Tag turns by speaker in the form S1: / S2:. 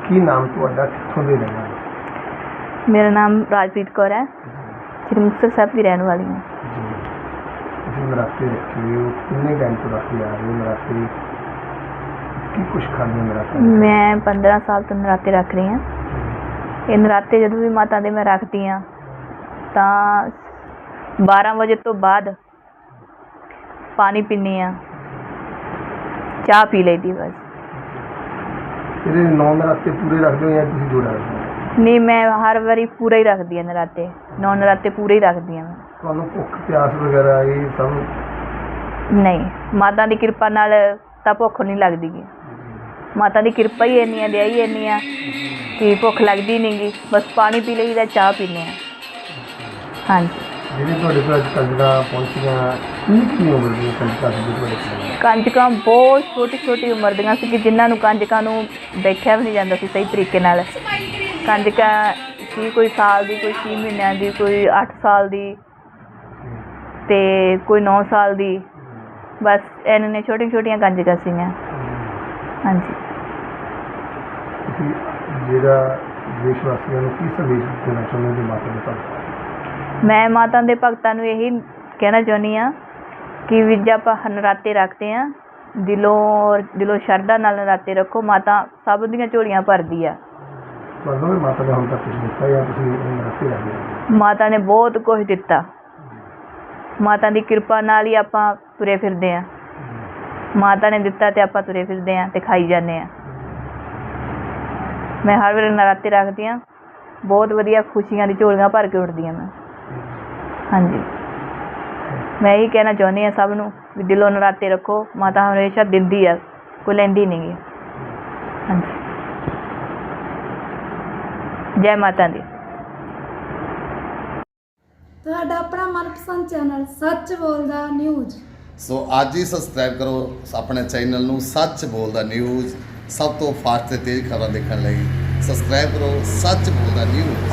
S1: ਕੀ ਨਾਮ ਤੁਹਾਡਾ, ਕਿੱਥੋਂ ਦੇ ਰਹਿਣ ਵਾਲੇ?
S2: मेरा नाम राजप्रीत कौर है, श्री मुक्तसर साहब की रहने वाली हूँ।
S1: ਜੀ ਤੁਸੀਂ ਨਰਾਤੇ ਰੱਖੇ ਹੋ, ਕਿੰਨੇ ਟਾਈਮ ਤੋਂ ਰੱਖਦੇ ਆ ਰਹੇ ਹੋ ਨਰਾਤੇ? ਕੀ ਕੁਛ ਖਾਂਦੇ ਹੋ ਨਰਾਤੇ?
S2: मैं 15 साल तो नराते रख रही हाँ। ये नराते जो भी माता दे मैं रखती हाँ तो 12 बजे तो बाद पानी पीनी हाँ, चाह पी लेती बस।
S1: ਇਹਦੇ 9 ਨਰਾਤੇ ਪੂਰੇ ਰੱਖਦੇ ਹੋ ਜਾਂ ਤੁਸੀਂ ਦੋ ਰੱਖਦੇ ਹੋ?
S2: नहीं, मैं हर बारी पूरा ही रखती हाँ नराते, 9 नराते पूरे ही रखती हाँ मैं।
S1: ਤੁਹਾਨੂੰ ਭੁੱਖ ਪਿਆਸ ਵਗੈਰਾ ਇਹ ਸਭ?
S2: नहीं, माता की कृपा नाल तां भुख नहीं लगदी गी। माता की कृपा ही इन्नी है, दया ही इन्नी है कि भुख लगती नहीं गी, बस पानी पी लईदा, चाह पीने हैं। हाँ जी।
S1: ਜਿਹੜੇ ਤੁਹਾਡੇ ਕੋਲ ਅੱਜ ਕੰਜਕਾਂ ਪਹੁੰਚੀਆਂ, ਕਿੰਨੀ ਉਮਰ ਦੀਆਂ ਕੰਜਕਾਂ ਸੀ ਤੁਹਾਡੇ ਕੋਲ?
S2: ਕੰਜਕਾਂ ਬਹੁਤ ਛੋਟੀ ਛੋਟੀ ਉਮਰ ਦੀਆਂ ਸੀ ਕਿ ਜਿਨ੍ਹਾਂ ਨੂੰ ਕੰਜਕਾਂ ਨੂੰ ਦੇਖਿਆ ਵੀ ਨਹੀਂ ਜਾਂਦਾ ਸੀ ਸਹੀ ਤਰੀਕੇ ਨਾਲ। ਕੰਜਕਾਂ ਸੀ ਕੋਈ ਸਾਲ ਦੀ, ਕੋਈ 6 ਮਹੀਨਿਆਂ ਦੀ, ਕੋਈ 8 ਸਾਲ ਦੀ ਅਤੇ ਕੋਈ 9 ਸਾਲ ਦੀ, ਬਸ ਇੰਨੇ ਛੋਟੀਆਂ ਛੋਟੀਆਂ ਕੰਜਕਾਂ ਸੀਗੀਆਂ। ਹਾਂਜੀ।
S1: ਤੁਸੀਂ ਜਿਹੜਾ ਦੇਸ਼ ਵਾਸੀਆਂ ਨੂੰ ਕੀ ਸੰਦੇਸ਼ ਦੇਣਾ ਚਾਹੁੰਦੇ ਹੋ ਮਾਤਾ ਦੇ ਭਗਤਾਂ?
S2: ਮੈਂ ਮਾਤਾ ਦੇ ਭਗਤਾਂ ਨੂੰ ਇਹੀ ਕਹਿਣਾ ਚਾਹੁੰਦੀ ਹਾਂ ਕਿ ਵੀ ਜੇ ਆਪਾਂ ਨਰਾਤੇ ਰੱਖਦੇ ਹਾਂ, ਦਿਲੋਂ ਸ਼ਰਧਾ ਨਾਲ ਨਰਾਤੇ ਰੱਖੋ, ਮਾਤਾ ਸਭ ਦੀਆਂ ਝੋਲੀਆਂ ਭਰਦੀ ਆ।
S1: ਮਤਲਬ ਮਾਤਾ ਨੇ ਹੁਣ ਤੱਕ ਕੁਛ ਦਿੱਤਾ ਜਾਂ ਤੁਸੀਂ ਨਰਾਤੇ ਰੱਖਦੇ ਹੋ?
S2: ਮਾਤਾ ਨੇ ਬਹੁਤ ਕੁਝ ਦਿੱਤਾ, ਮਾਤਾ ਦੀ ਕਿਰਪਾ ਨਾਲ ਹੀ ਆਪਾਂ ਤੁਰੇ ਫਿਰਦੇ ਹਾਂ। ਮਾਤਾ ਨੇ ਦਿੱਤਾ ਅਤੇ ਆਪਾਂ ਤੁਰੇ ਫਿਰਦੇ ਹਾਂ ਅਤੇ ਖਾਈ ਜਾਂਦੇ ਹਾਂ। ਮੈਂ ਹਰ ਵੇਲੇ ਨਰਾਤੇ ਰੱਖਦੀ ਹਾਂ, ਬਹੁਤ ਵਧੀਆ ਖੁਸ਼ੀਆਂ ਦੀ ਝੋਲੀਆਂ ਭਰ ਕੇ ਉੱਠਦੀਆਂ ਮੈਂ। ਹਾਂਜੀ, ਮੈਂ ਇਹੀ ਕਹਿਣਾ ਚਾਹੁੰਦੀ ਹਾਂ ਸਭ ਨੂੰ ਵੀ ਦਿਲੋਂ ਨਰਾਤੇ ਰੱਖੋ, ਮਾਤਾ ਹਮੇਸ਼ਾ ਦਿੰਦੀ ਆ, ਕੋਈ ਲੈਂਦੀ ਨਹੀਂ ਗੀ। ਹਾਂਜੀ, ਜੈ ਮਾਤਾ ਦੀ।
S3: ਤੁਹਾਡਾ ਆਪਣਾ ਮਨਪਸੰਦ ਚੈਨਲ ਸੱਚ ਬੋਲਦਾ ਨਿਊਜ਼।
S4: ਸੋ ਅੱਜ ਹੀ ਸਬਸਕ੍ਰਾਈਬ ਕਰੋ ਆਪਣੇ ਚੈਨਲ ਨੂੰ ਸੱਚ ਬੋਲਦਾ ਨਿਊਜ਼। ਸਭ ਤੋਂ ਫਾਸਟ ਤੇ ਤੇਜ਼ ਖਬਰਾਂ ਦੇਖਣ ਲਈ ਸਬਸਕ੍ਰਾਈਬ ਕਰੋ ਸੱਚ ਬੋਲਦਾ ਨਿਊਜ਼।